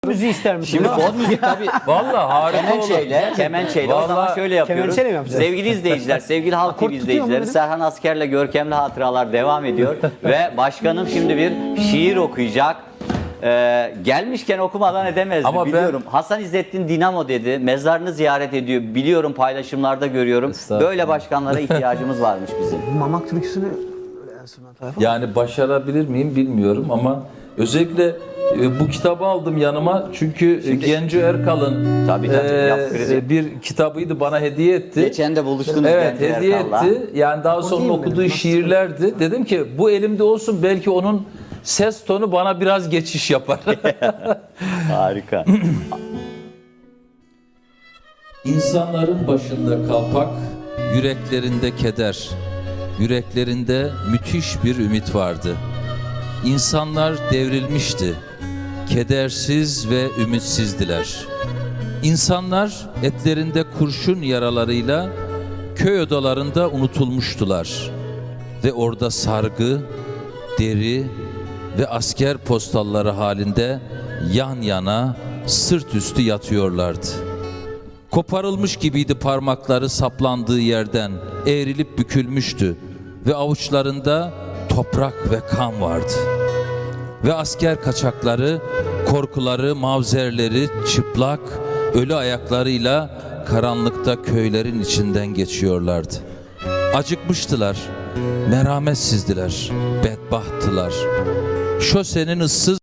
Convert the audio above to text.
Müziği ister misin? Şimdi fon müzik tabii. Vallahi harika olur. Kemençeyle. O zaman Vallahi şöyle yapıyoruz. kemençeyle mi yapacağız? Sevgili izleyiciler, sevgili Halk TV tutuyor mu izleyicileri, benim? Serhan Asker'le Görkemli Hatıralar devam ediyor. Ve başkanım şimdi bir şiir okuyacak. Gelmişken okumadan edemezdi, Ama biliyorum. Hasan İzzettin Dinamo dedi. Mezarını ziyaret ediyor. Biliyorum, paylaşımlarda görüyorum. Böyle başkanlara ihtiyacımız varmış bizim. Mamak türküsünü enstrüman tarafı. Yani başarabilir miyim bilmiyorum ama özellikle bu kitabı aldım yanıma çünkü Genco Erkal'ın Tabii, yap krizi. bir kitabıydı, bana hediye etti. Geçen de buluştunuz. Evet, Genco hediye Erkal'la. etti. Yani daha sonra değil mi okuduğu benim? Nasıl? şiirlerdi. Dedim ki bu elimde olsun, belki onun ses tonu bana biraz geçiş yapar. Harika. İnsanların başında kalpak, yüreklerinde keder, yüreklerinde müthiş bir ümit vardı. İnsanlar devrilmişti, kedersiz ve ümitsizdiler. İnsanlar etlerinde kurşun yaralarıyla köy odalarında unutulmuştular. Ve orada sargı, deri ve asker postalları halinde yan yana, sırt üstü yatıyorlardı. Koparılmış gibiydi parmakları saplandığı yerden, eğrilip bükülmüştü ve avuçlarında toprak ve kan vardı. Ve asker kaçakları, korkuları, mavzerleri çıplak, ölü ayaklarıyla karanlıkta köylerin içinden geçiyorlardı. Acıkmıştılar, merhametsizdiler, bedbahttılar. Şosenin ıssız